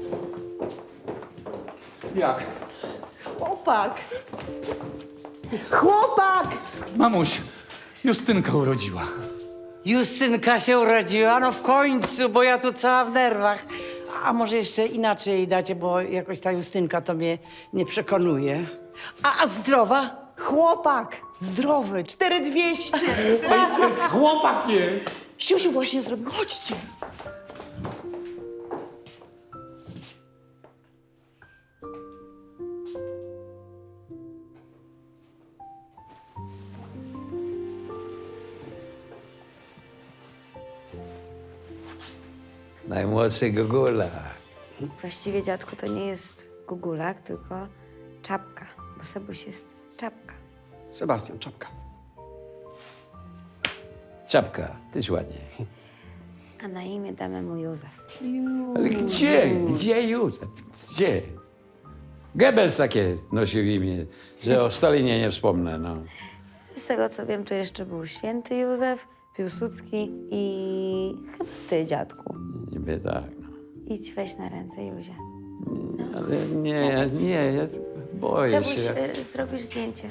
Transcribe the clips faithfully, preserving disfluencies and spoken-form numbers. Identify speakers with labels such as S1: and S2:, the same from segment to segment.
S1: Jak?
S2: Chłopak! Chłopak!
S1: Mamuś, Justynka urodziła.
S3: Justynka się urodziła, no w końcu, bo ja tu cała w nerwach. A może jeszcze inaczej dacie, bo jakoś ta Justynka to mnie nie przekonuje. A, a zdrowa?
S2: Chłopak! Zdrowy! cztery dwieście!
S1: Ojciec, chłopak jest.
S2: Siusiu właśnie zrobił. Chodźcie!
S4: Najmłodszy Gugula.
S5: Właściwie, dziadku, to nie jest gugulak, tylko czapka, bo Sebuś jest czapka.
S6: Sebastian, czapka.
S4: Czapka, tyś ładnie.
S5: A na imię damy mu Józef.
S4: Ale gdzie? Gdzie Józef? Gdzie? Goebbels takie nosił imię, że o Stalinie nie wspomnę, no.
S5: Z tego, co wiem, to jeszcze był święty Józef, Piłsudski i chyba ty, dziadku.
S4: Niby tak, no.
S5: Idź, weź na ręce Józia.
S4: Ale nie, ja, nie, ja boję
S5: Sebuś,
S4: się.
S5: y, zrobisz zdjęcie.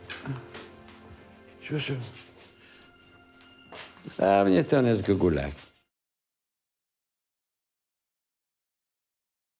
S4: Siusiu. Dla mnie to on jest Gugulak.